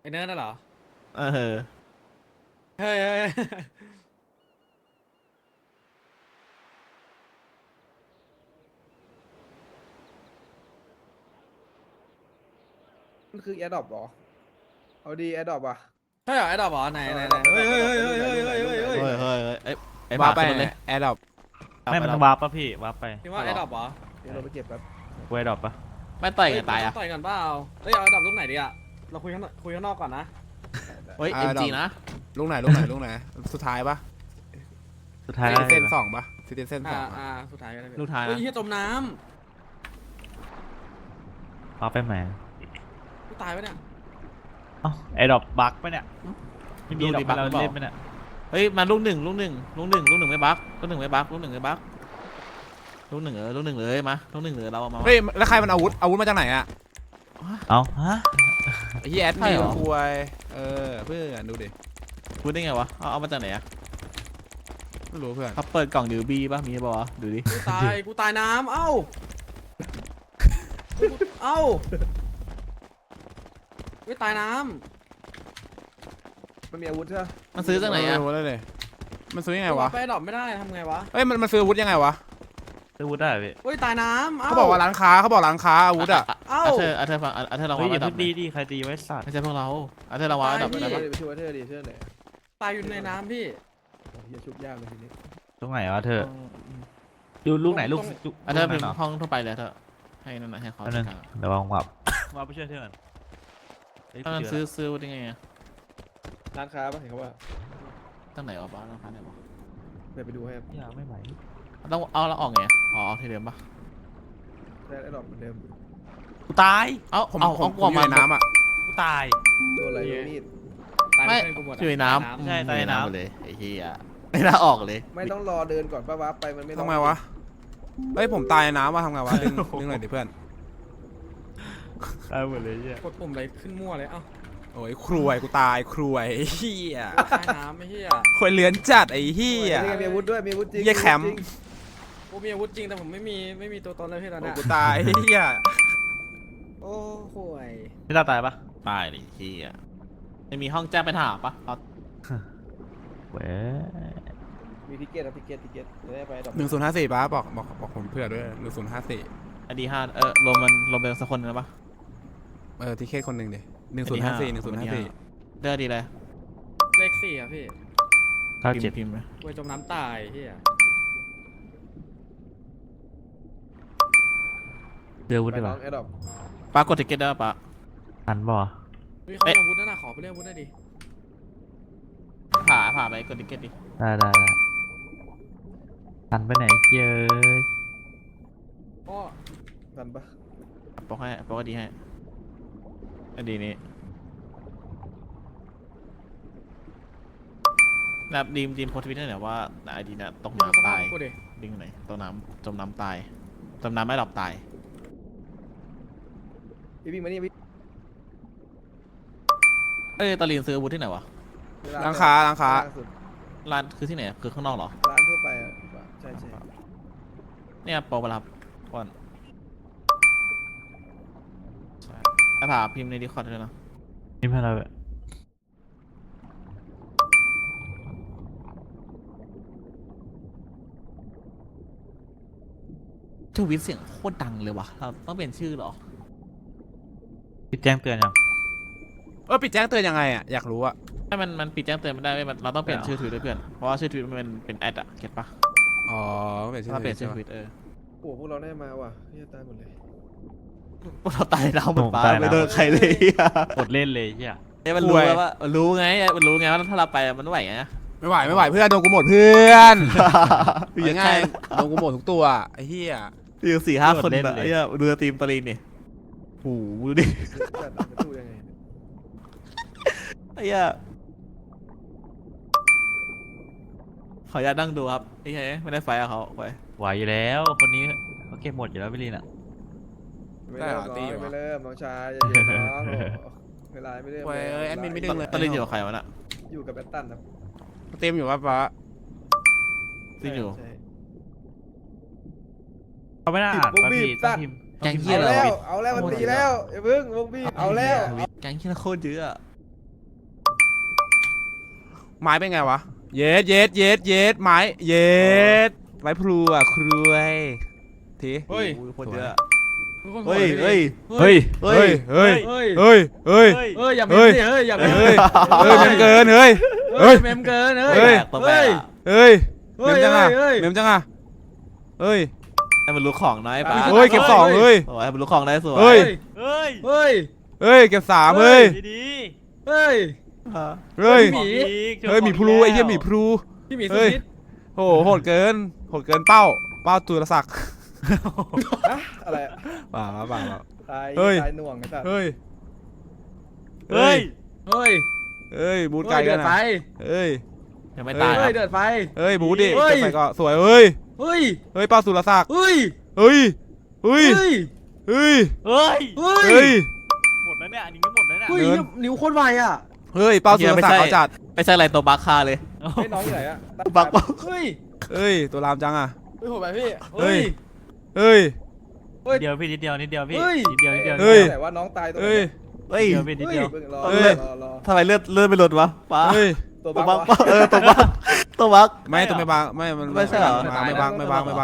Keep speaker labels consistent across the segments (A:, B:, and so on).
A: ไอ้เนิร์ดน่ะเหรอ
B: เออ
A: เฮ้ยเฮ้ย
C: มันคือแอดดอปหรอเอาดีแอดดอปอ่ะ
A: ใช่เหรอไอ้ดอกเหรอไหนไหนไหนเฮ้ยเฮ้ยเฮ้ยเฮ้ยเฮ้ยเฮ้ยเฮ้ยเฮ้ย
B: เฮ้ยไอ้หมา
D: ว้าไป
B: ขึ้นรถเลย
D: แอร์ดรอป
E: ไม่มัน
B: เอา
E: วาร์ปป่ะพี่วาร์ปไป
A: คิดว่าไอ้ดอกเหรอ
C: เดี๋ยวเราไปเก็บแป๊บ
E: เวดรอปป่ะ
B: ไม่ต่อยกันตายอ่ะ
A: ต่อยกันเปล่าเฮ้ยเอาไอ้ดอกลูกไหนดีอะเราคุยข้างนอกก่อนนะ
B: เฮ้ยเอ็มจีนะ
D: ลูกไหนลูกไหนลูกไหนสุดท้ายปะ
E: สุดท้าย
D: ซิติเซนสองปะซิติเซนสองปะ
A: สุดท้ายก็ได้
B: ลูกท้าย
A: เฮ้ย
B: นะ
A: เฮียจมน้
E: วาร์ปไปไหน
A: ำกูตายไปเนี่ย
E: เอ้าไอ้ดรอปบั๊กปะเนี่ยไม่มีดรอปเราเล่นปะเนี่ย
B: เฮ้ยมาลูกหนึ่งไม่บั๊กลูกหนึ่งไม่บั๊กลูกหนึ่งเลยมาลูกหนึ่งเลยเราเอามา
D: เฮ้ยแล้วใครมันอาวุธมาจากไหนอะ
E: เอ้าฮะ
D: ไอ้ที่แอดมินคุยเพื่อนดูดิ
B: พูดได้ไงวะเอามาจากไหนอ่ะ
D: ไม่รู้เพื่อน
B: เขาเปิดกล่องดิวบี้ป่ะมีป่ะดูดิ
A: กูตายน้ำเอ้าเอ้าไม่ตายน้
C: มันมีอาวุธใช่ไหม
B: มันซื้อจากไหนอ่ะ
D: ม่รู้เลยมันซื้อ
A: ำ
D: ยังไงวะ
A: ไปดอกไม่ได้ทำไงวะ
D: เฮ้ยมันซื้ออาวุธยังไงวะ
E: ซื้อวุฒิได้พี่
A: เฮ้ยตายน้ำ
D: เขาบอกว่าร้านค้าอาวุธอะ
A: เอ้า
B: เธอฟังเธอลอง
E: เฮ้ย
B: วาง
E: อย่า
B: ระดั
E: เพิ่
B: บ
E: งดีดิใครตีไว้สัตว์
B: ไม่ใช่พวกเราเธอลองวางระดับ
A: ตาย
B: ได้
A: พี่
B: ปะ
C: ไปช่วยเธอดิเธอไหน
A: ตายอยู่ในน้ำพี่
C: โอ้ยชุบยากเลยทีนี้
E: ตรงไหนวะเธอดูลูกไหนลูก
B: เธอเป็น
E: เหรอ
B: ห้องทั่วไปเลยเธอให้นั่นให้เขา
E: อันนึงเดี๋ยววางวับวาร์ปไปช่วยเธอก่อนเฮ้ย
B: ถ้ามัน
E: เจ
B: ซื้อได้ไง
C: ร้านค้าปะเห็นเขาว่า
B: ตั้งไหนวะบ้านร้านไหนวะ
C: เดี๋ยวไปดูให้
E: แล้วอย่าไม่ไหว
B: ต้องเอาแล้วออกไงเอาที่เดิมปะ
C: แต่แอดดอปเหมือนเดิม
E: กูตาย
B: เอา
D: ผม
B: เอา
D: ผม
B: กลัว
D: อยู่
B: มา
D: ในน้ำอะ
E: กูตาย
C: ตัวอะไรตัวมีด
A: ตาย
B: ไม่
A: เพื่อนกูหมด
B: อยู่ในน้
E: ใช่
B: ำ
E: ใต้น้ำ
B: เลยไอ้เหี้ยไม่น่าออกเลย
C: ไม่ต้องรอเดินก่อนป้าวับไปมันไม่
D: ทำไงวะเฮ้ยผมตายในน้ำว่ะทำไงวะดึงหน่อยดิเพื่อน
E: ตายหมดเลยเนี่ย
A: กดปุ่มอะไรขึ้นมั่วเลยเอ้า
D: โอ้ยครวยกูตายครวยไอ้เหี้ย
A: ตายน้ำไม่เฮีย
D: ควยเลือนจัดไอ้เหี้ย
C: นี่ไงมีอาวุธด้วยมีอาวุธจริง
D: เหี้ยแคมป์
A: กูมีอาวุธจริงแต่ผมไม่มีตัวตนเลยพี่ตอน
D: โอ้
A: เนี้ย
D: กูตายไอ้เหี้ย
A: โอ้โหย
E: พี่ตาตายปะ
B: ตายดิเหี้ยไม่มีห้องแจ้งไปถามปะเอา
E: เว้ย
C: มีทิเก็ตนะทิเก็ตจะได้ไปแอดดอป
D: 1054ป้าบอกผมเพื่อด้วย1054
B: อดีห้ารวมเป็นสักคนนึงปะ
D: ทิเก็ตคนหนึ่งดิ1054
B: เลือกดีเลย
A: เลข4อ่ะพี่
E: 97
B: พิมพ์ไหม
A: กูจมน้ำตายเฮีย
E: เดือวุฒิ
C: ไป
E: ดีก
C: น้อ
E: ว่าง
C: แอดดอป
B: ปากดติเก็ตได้ปะ
E: ทันบ่
A: เฮ้ยเขามีอาวุธนั่นน่ะขอไปเรียกอาวุธได้ดิ
B: ผ่าไปกดติเก็ตดิ
E: ได้ทันไปไหนเย้ย
A: ก็
C: ทันปะ
B: ปกดีให้อดีนี้แบบดีมโพสต์ทวิตเตอร์เนี่ยว่าไอดีน่ะตก
A: ส
B: น้ำ
A: ภา
B: ตา
A: พ
B: ย
A: กูดิ
B: ดิ้งไหนตกน้ำจมน้ำตายจมน้ำไม่หลับตาย
C: พี่วิ่งมานี่พี่
B: ตอลีนซื้ออาวุธที่ไหนวะ
D: ร้านค้า
C: ล่งสุด
B: ร้านคือที่ไหนคือข้างนอกเหรอ
C: ร้านทั่วไปอ่ะใช่
B: เนี่ยโปรเวลาก่อนไอ้ผ่าพิมพ์ในดิคอร์ดเลยนะ
E: นี่พาเราแบบ
B: ทวิตเสียงโคตรดังเลยวะเราต้องเปลี่ยนชื่อเหรอ
E: พี่แจ้งเตือนยัง
D: ปิดแจ้งเตือนยังไงอ่ะอยากรู้อ่ะ
B: ให้มันปิดแจ้งเตือนไม่ได้เว้ยเราต้องเปลี่ยนชื่อทวิตด้วยเพื่อนเพราะว่าชื่อทวิตมันเป็นแอดอะเก็ตปะ
D: อ๋อเปลี่ยนชื่อ
B: ถ้าเปลี่ยนชื่อ
D: ใช่
B: ท
D: ปะ
B: วิต
C: โอ้พวกเราได้มาว่ะพี่ตายหมดเลย
B: พวกเราตายแล้วหมดปลาไม่โดนใครเลยอ่ะ
E: กดเล่นเลยเฮีย
B: มันรู้แล้วว่ามันรู้ไงว่าถ้าเราไปมันไหวไง
D: ไม่ไหวเพื่อนโดนกูหมดเพื่อนง่ายโดนกูหมดทุกตัวไอ้เหี้ย
B: อยู่4-5 คนแบบไอ้ดูทีมตอรีนนี่โอ้โหดูดิ
C: จัดจะสู้ยังไง
B: ไอ้เหี้ยขออนุญาตนั่งดูครับไอ้เหี้ยไม่ได้ไฟกับเขาไป
E: ไหวอยู่แล้วคนนี้เขาเก็บหมดอยู่แล้วพี่ลีนอ่ะ
C: ไม่เริ่มน้องไม่เริ่มน้องชายอย่าเย็นน้องเวลาไม่เริ่ม
D: เว้ยแอดมินไม่ดึงเลย
B: ตอรีนอยู่กับใครวะน่ะ
C: อยู่กับแบตตันนะ
D: เต็มอยู่ป่ะป้า
B: ซีอยู่
C: ใช่
E: เขาไม่น่าอ่านป่ะพี่ต้องพิมพ์
B: แกงเหี้
C: เอา
B: ย
C: แล้วมันตีแล้วอย่าพึ่งวงบีเอาแล้ว
B: แกงเหี้ยโคตรเยอะ
D: ไม้เป็นไงวะเย็ดไม้เย็ดไม้พลูอ่ะครวยที
A: เฮ้ย
B: คนเยอะ
A: ทุกคน
B: เฮ้ย
A: โหด
B: เฮ้ย
E: เฮ้ย
D: เฮ้ย
A: เฮ้ย
D: เฮ้ย
A: เฮ้ยอย่าเมมสิเฮ้ยอย่าเมม
D: เฮ้ยเมมเกินเฮ้ย
A: เฮ้ยเมมเกินเฮ้ย
D: เฮ้ย
B: ต้องแบก
D: เฮ้ยเม
A: เฮ้ย
D: มจังอ่ะ
A: เฮ้ย
D: เมมจังอ่ะเฮ้ย
B: ให้มันรู้ของน้อยป้า
D: เฮ้ยเก็บสองเฮ้ย
B: โอ้ยให้มันรู้ของได้สวย
D: เฮ้ย
E: เฮ้ย
A: เฮ้ย
D: เฮ้ยเก็บสามเฮ้ย
E: ดี
A: เฮ้ย
D: เฮ้ย
A: หมี
D: เฮ้ยหมีพลูไอ้เหี้ยหมีพลู
A: พี่หมีสุ
D: เฮ้ย
A: นิด
D: โหโหดเกินเป้าตุลศักดิ์
C: อะอะไรอะ
D: เปล่า
C: ตาย
D: เฮ้ย
C: ตายหน่วงไอ้สัตว์
D: เฮ้ย
E: เฮ้ย
A: เฮ้ย
D: เฮ้ยบูทไกล
A: เดื
D: กั
A: อน ด
D: นะ
A: ไฟ
D: เฮ้ย
B: ยังไม่ตายค
A: เฮ้
B: รั
A: ย
B: บ
A: เดือดไฟ
D: เฮ้ยบูทดิ
A: เฮ้ย
D: เก็บไปก็สวยเฮ้ย
A: เฮ้ย
D: เฮ้ยเป้าสุรศักดิ์
A: เฮ้ย
D: เฮ้ยเฮ้ย
A: เฮ้ย
D: เฮ้ย
E: เฮ้ย
A: เฮ้ย
D: เฮ้ย
E: หมดแล้วเนี่ยอันนี้ก็หมดแล้วเนี่ย
A: เฮ้ย
D: เดิน
A: นิ้วโคตรไวอ่ะ
D: เฮ้ยเป้าสุรศักดิ์เขาจัด
B: ไม่ใช่อะไรตัวบัคค่าเลย
C: ไอ้น้องอยู่ไหนอะ
B: บัก
A: เฮ้ย
D: เฮ้ยตัวรามจังอ่ะ
C: เฮ้ยโหดไปพี่
D: เฮ้
A: เฮ้
D: ย
A: ย
D: เฮ้ย
E: นิดเดียวพี่นิดเดียวพี่
A: เฮ้ย
E: นิดเดียว
D: เฮ้ย
C: แต่ว่าน้องตายตัว
D: เฮ้ย
B: เฮ้ย
E: นิดเดียวพี่นิดเดียว
C: เพิ่งรอ
D: เฮ้ย
C: รอ
B: ทำไมเลือดไม่หลุดวะป้า
D: เฮ้ย
C: ตัว
B: ตัว
C: บั
B: บั
C: ก
B: กตัวบักตัวบัก
D: ไม่ต้องไม่บังไม่มัน
B: ไม่ใช่เหรอ
D: ไม่บังไม่บัง
B: เออ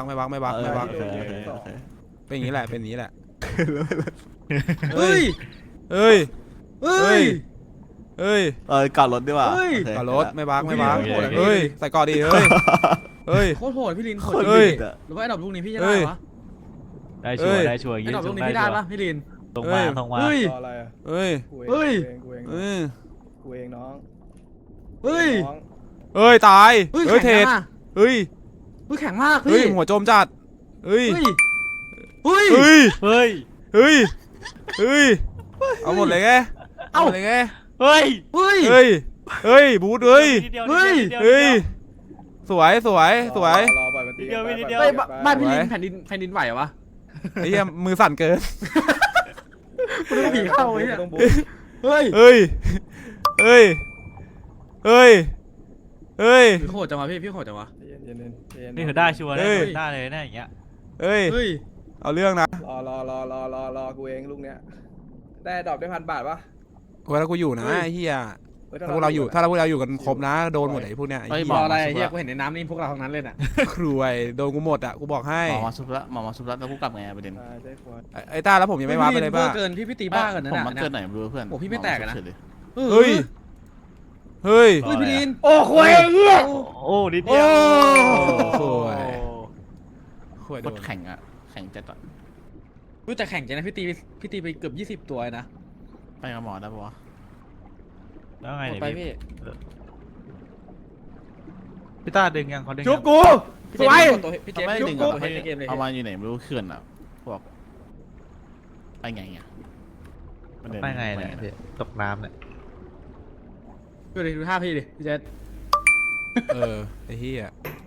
D: เป็นอย่างนี้แหละเป็นอย่างนี้แหละ
A: เฮ้ย
D: เฮ้ย
A: เฮ้ย
D: เฮ้ย
B: เก่ารถดีกว่า
A: เฮ้ย
B: โอเค
D: ก่อรถไม่บัง
A: เฮ้ย
D: เฮ้ยใส่ก่อดีเฮ้ยเฮ้ย
A: โคตรโหดพี่ลินโหด
B: คน
A: จ
D: เฮ้
A: ริ
D: ย
A: งหรือว่าไอ้ดอกลูกนี้พี่จะได้วะ
E: ได้ชัวร์ได้ชัวร์
A: ไอ้
E: ยืน
A: ดอก
E: ต
A: ลู
E: ร
A: ก
E: ง
A: นี้
E: ได้
A: พี่ได้
E: ชัว
A: ปะ
E: ร์
A: พี่ลิน
E: ตรงมาตรงมา
A: เฮ้ย
C: รออะไรอะ
D: เฮ้ย
C: กู
A: เฮ้ย
C: กูเอง
D: เฮ้ย
C: กูเองน้อง
A: เฮ้ย
C: น้อง
D: เฮ้ยตาย
A: เฮ้ย
D: เฮ้ย
A: แข็
D: เท
A: ง
D: ศ
A: มาก
D: เฮ้ย
A: เฮ้ยแข็งมาก
D: เฮ้ย
A: พี่
D: หัวโจมจัดเฮ้ย
A: เฮ้ยเฮ้ย
D: เฮ้ย
E: เฮ้ย
D: เฮ้ยเอาหมดเลยไงเอาหมดเลยไง
E: เฮ้ย
A: เฮ้ย
D: เฮ้ยเฮ้ยบูทเฮ้ย
E: นิดเดียว
A: เฮ้ย
E: นิดเดียว
D: เฮ้ยสวยสวยสวย
C: รอปล่อยมันตี
E: เดี๋ยว
C: ไป
E: เดี๋ยว
A: เฮ้ย
C: ไป
A: บ้านพี่ลิน
D: ไว้
A: แผ่นดินไหวเหรอวะ
D: ไอ้เหี้ยมือสั่นเกิน
A: กูนึกว่าผีเข้าไอ้เนี่ย
C: ต้องบู๊
A: เฮ้ย
D: เฮ้ยเฮ้ยเฮ้ยเฮ้ย
A: พี่โหดจังวะพี่โหดจังวะ
C: เย็นๆเย็นๆ
E: นี่คือได้ชัวร์
D: เฮ้
E: ได้
D: ย
E: ได้เลยนะอย่างเงี้ย
D: เฮ้ย
A: เฮ้ย
D: เอาเรื่องนะ
C: รอกูเองลูกเนี้ยได้ดอกได้1,000 บาทปะ
D: เวลากูอยู่นะไอ้เหี้ย
C: ฮ้
D: ถ้าพวกเราอยู่ถ้าพวกเราอยู่กันครบนะโดนหมดไอ้พวกเนี้ยไอ้
B: เฮ้ย
D: เหี้
A: ร
D: ย
A: ออะไรเฮียกูเห็นในน้ำนี่พวกเราทั้งนั้นเลยน่ะ
D: ครวยโดนกูหมดอ่ะกูบอกให้
B: หมอมาซุปละหมอมาซุปละแล้วกูกลับไงประเด็น
C: ใช่ใช่ควร
D: ไอ้ต้าแล้วผมยังไม่ว้าไปเลยป่ะ
A: เกินพี่ตีบ้ากันนะ
B: ผม
A: น่ะ
B: มันเกิดไหนไม่รู้เพื่อน
A: โอ้พี่ไม่แตกอะนะ
D: เฮ้ยเฮ้ย
A: เฮ้ยพี่ลิน
C: โอ้โหเหี้ย
E: โอ้นิดเดียว
D: สวยครวย
B: โค
D: โด
B: ต
D: น
B: รแข่งอะแข่งจัดอะ
A: รู้แต่แข่งใจนะพี่ตีไปเกือบ20 ตัวนะ
B: ไปกับหมอได้ปะวะ
E: แล้วไง
A: หมด
E: เนี่ย
A: ไป
E: พี่
A: พี่
E: พี่ต้าดึงยังเขาดึง
C: ชุบ
E: ยัง
C: กู
A: สวยพี่เจ
B: ทำ
A: ม
B: ไม
A: ส์
B: ดึง
A: ก
B: อะ
A: ดให้ในเกมเลย
B: เอามาอยู่ไหนไม่รู้เขื่อนอะพวกไปไงอะประเด็น
E: ไปไงเนี่ยพี่ตกน้ำเนี่ย
A: ดูท่าพี่ดิพี่เจ
D: ไอ้เหี้ย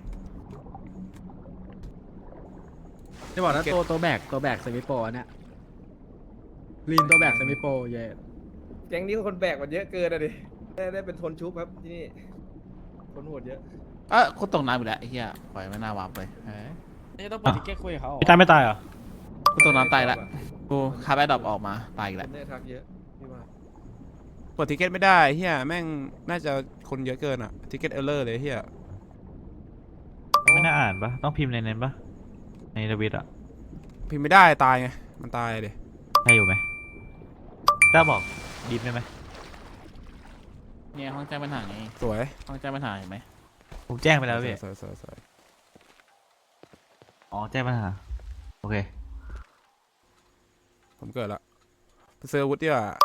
A: จะบอกนะตัวแบกเซมิโปรเนี่ยลีนตัวแบกเซมิโปรเย่
C: แก๊งนี้คนแบกมันเยอะเกินอะดิได้เป็นทนชุบครับที่นี่คนโหดเยอะ
B: กูตกน้ำอีกแล้วไอ้เหี้ยปล่อยไม่น่าวาร์ปเลยเฮ้ย
A: นี่ต้องเปิดทิกเก็ตคุยกับเขา
E: พี่ต้าไม่ตายเหรอ
B: กูตกน้ำตายละกูคาร์บอนดรอปออกมาตายอีก
C: ค
B: แล้ว
C: นได้ทักเยอะพี่ว่า
D: กดทิเก็ตไม่ได้เฮียแม่งน่าจะคนเยอะเกินอ่ะทิเก็ตเออร์เลอร์เลยเฮีย
E: ไม่น่าอ่านปะต้องพิมพ์ในนั้นปะในทวิตอะ
D: พิมพ์ไม่ได้ตายไงมันตายเลย
E: ให้อยู่ไหมต้าบอกดิฟได้ไหม
B: เนี่ยห้องแจ้งปัญหาไง
D: สวย
B: ห้องแจ้งปัญหาเห็นไหม
E: ผมแจ้งไปแล้วพี่
D: สวยสวยสวย
E: อ๋อแจ้งปัญหาโอเค
D: ผมเกิดละไปเซอร์วุฒดีกว่า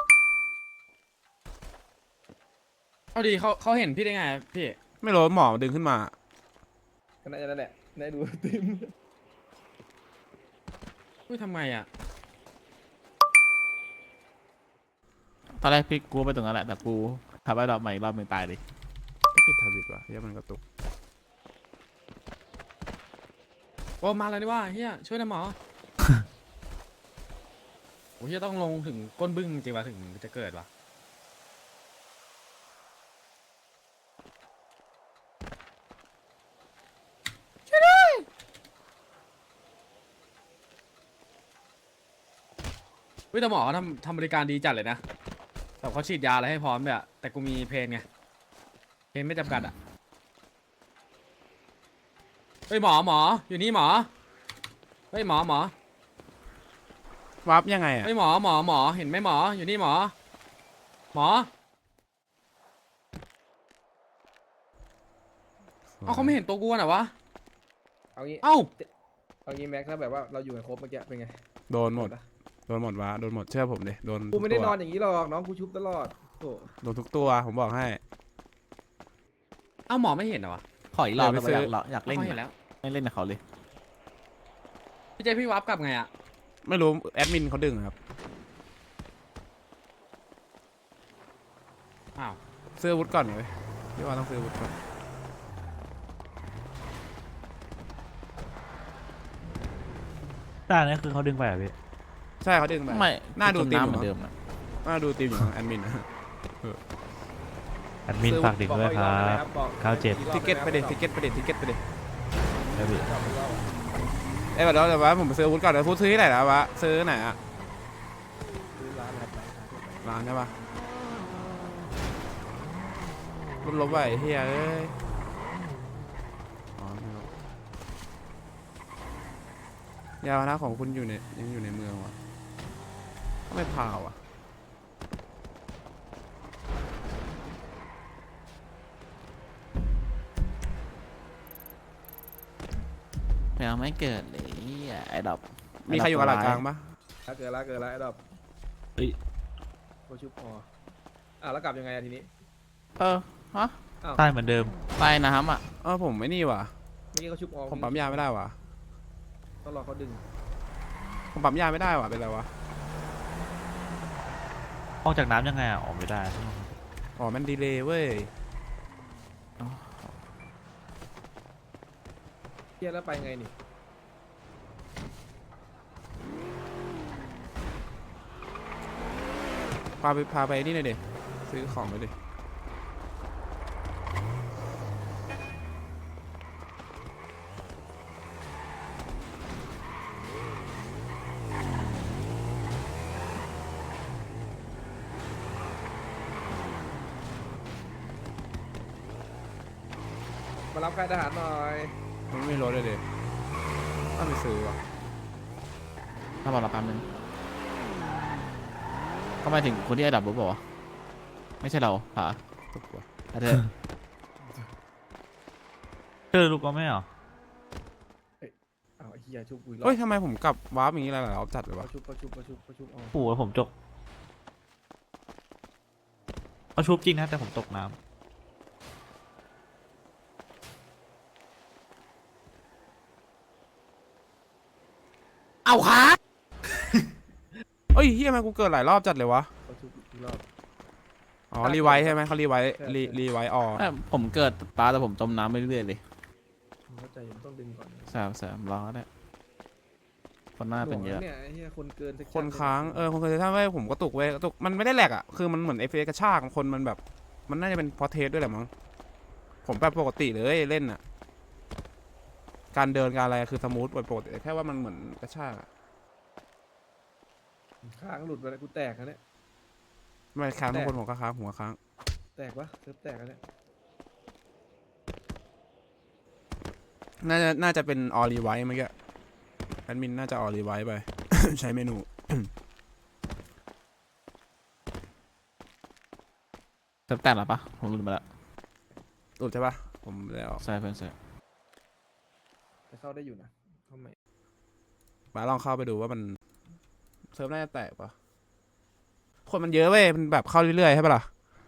A: เอาดีเขาเห็นพี่ได้ไงพี่
D: ไม่รู้หมอดึงขึ้นมา
C: ก็น่าจะนั่นแหละได้ดูติม
A: อุ้ยทำไมอ่ะ
B: ตอนแรกพี่กูไปตรงนั้นแหละแต่กูคาร์บอนดรอปใหม่อีกรอบหนึ่งตายเลย
D: ไม่ปิดทวิตว่ะเฮียมันกระตุก
A: โอ้มาแล้วนี่ว่าเฮียช่วยนะหมอ โอ้เฮียต้องลงถึงก้นบึ้งจริงวะถึงจะเกิดวะช่วยด้วยแต่หมอเขาทำบริการดีจัดเลยนะแบบเขาฉีดยาอะไรให้พร้อมเลยอะแต่กูมีเพนไงเพนไม่จำกัดอ่ะเฮ้ยหมออยู่นี่หมอเฮ้ยหมอ
D: วับยังไงอ่ะ
A: เฮ้ยหมอเห็นไหมหมออยู่นี่หมอเอาเขาไม่เห็นตัวกูน่ะวะ
C: เอางี้
A: เอ้า
C: เอางี้แม็กถ้าแบบว่าเราอยู่กันครบเมื่อกี้เป็นไง
D: โดนหมดวะโดนหมดเชื่อผมดิโดน
C: กูไม่ได้
D: ทุก
C: น
D: ตั
C: อ
D: วน
C: อย่างนี้หรอกน้องกูชุบตลอดโอ้
D: โดนทุกตัวผมบอกให้
A: เอ้าหมอไม่เห็นเหรอวะ
B: ขออีกรอบ
D: เดี๋
B: ได้
D: ยว
B: ปะ
D: ไปซื้อ
B: อยากเล่น
A: เขาเห็นแล้ว
B: ไม่เล่นกับเขาเลย
A: พี่เจพี่วับกลับไงอ่ะ
D: ไม่รู้แอดมินเขาดึงครับ
A: อ้าว
D: ซื้ออาวุธก่อนเลยพี่ว่าต้องซื้ออาวุธก่อน
E: ต้านี่คือเขาดึงไปเหรอพี่
D: ใช่เขาดึงไป
B: ไม่
D: น่าดู
B: จม
D: ตีม
B: น้ำ
D: อ
B: เหมื
D: ยู่
B: อน
D: มั้ง
B: เดิมอะ
D: น่าดูตีมอยู่มั้งแอดมินนะ
E: แอดมินฝากดึงด้วยครับ 97
D: ทิเก็ตไปดิทิเก็ตไปดิทิเก็ตไปดิ
E: แล้วพี่
D: เอ้ยเดี๋ยวว่าผมไปซื้ออาวุธก่อนเดี๋ยวพูดซื้อที่ไหนแล้ววะซื้อไหนอะ
C: ร้านครับ
D: ร้านใช่ปะลบไปเฮียเอ้ยอ๋อไม่ลบยาวนะของคุณอยู่ในยังอยู่ในเมืองวะไม่พาวอ่ะ
B: ยังไม่เกิดเลยไอ้ดอก
D: มีใครอยู่กับหลักกลางปะ
C: เกิดละไอ้ดอก
E: เฮ้ย
C: กูชุบพอแล้วกลับยังไงอะทีนี้
B: ฮะ
E: ใต้เหมือนเดิม
B: ใต้น้ำอ่ะ
D: ผมไม่นี่ว่ะ
C: เมื่อกี้เขาชุบออก
D: ผมปั๊มยาไม่ได้ว่ะ
C: ต้องรอเขาดึง
D: ผมปั๊มยาไม่ได้ว่ะเป็นไรวะ
E: ออกจากน้ำยังไงอ่ะออกไม่ได้
D: อ๋อมันดีเลย์เว้ย
C: เที่ยแล้วไปไงนี่
D: พาไปนี่หน่อยดิซื้อของไปดิ
C: มารับค่ายทหารหน่อย
D: มันไม่มีรถเลยดิต้องไปซื้อว่ะ
B: ถ้าบอกเราแป๊บนึงก็หมายถึงคนที่ไอ้ดับรู้เปล่าวะไม่ใช่เราผา
D: ตุกว่ะ
B: เธอ
E: เจอลูกก็ไม่เหรอ
C: อ้าวไอ้เหี้ยชุบกูอีกรอ
D: เฮ้ย
C: บ
D: ทำไมผมกลับวาร์ปอย่างนี้หลายๆรอบจัดเลยวะ
C: เขาชุบเอา
E: โอ้โหผมจกเขาชุบจริงนะแต่ผมตกน้
A: เอาขา
D: เฮ้ยเฮียทำไมกูเกิดหลายรอบจัดเลยวะ
C: เขาชุบอีกรอบ
D: อ๋อรีไวท์ใช่ไหมเขารีไวท์รีไวท์ออ
B: ผมเกิดปลาแต่ผมจมน้ำไปเรื่อยๆเลย
C: ผมเข้าใจมันต้องดึงก่อน
B: แสบรอได้คนหน้าเป็นเยอะ
C: เนี่ยไอ้เหี้ยคนเกิน
D: คนค้างคนเคยถ้าไม่ผมกระตุกเว้ยกระตุกมันไม่ได้แหลกอ่ะคือมันเหมือนเอฟเอกระชากคนมันแบบมันน่าจะเป็นพอเทสด้วยแหละมั้งผมแบบปกติเลยเล่นอ่ะการเดินการอะไรคือสมูทปกติแค่ว่ามันเหมือนกระชากอะ
C: ค้างหลุดไปแล้วกูแตกแล้วเนี่ย
D: ไม่ค้างทุกคนผมก็ค้างหัวค้าง
C: แตกวะเซิร์ฟแตกแล้วเนี่ย
D: น่าจะเป็นออรีไวท์เมื่อกี้แอดมินน่าจะออรีไวท์ไป ใช้เมนู
B: เติมแตกหรอปะผมลืมไปแล้ว
D: หลุดใช่ปะผมแล้ว
B: ใช่เพื่อนใช่
C: แต่เข้าได้อยู่นะเข้าใหม่
D: มาลองเข้าไปดูว่ามันเซิร์ฟน่าจะแตกปะคนมันเยอะเว้ยมันแบบเข้าเรื่อยๆใช่ปะล่ะ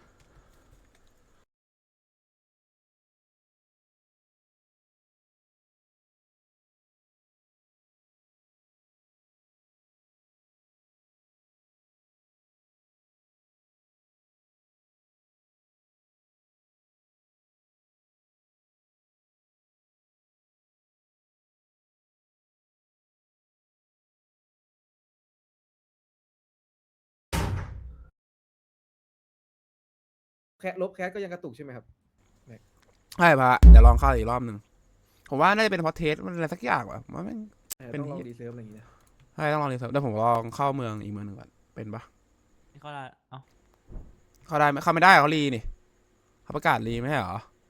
C: ลบแคสก็ยังกระตุกใช่ไหมครับ
D: ใช่ปะเดี๋ยวลองเข้าอีกรอบหนึ่งผมว่าน่าจะเป็นเพราะเทสมันอะไรสักอย่างว่ะมันไม่ เป็น
C: ต้องลอง
D: เหี้ย
C: ดีเซิร์ฟอะไรอย่างเงี้ย
D: ใช่ต้องลองรีเซิร์ฟเดี๋ยวผมลองเข้าเมืองอีกเมืองหนึ่งก่อนเป็นปะ
E: ำนี่ก็ได้เอ้า
D: เข้าได้ไหมเข้าไม่ได้เขารีนี่เขาเขาประกาศรีไม่ใช่เหรอ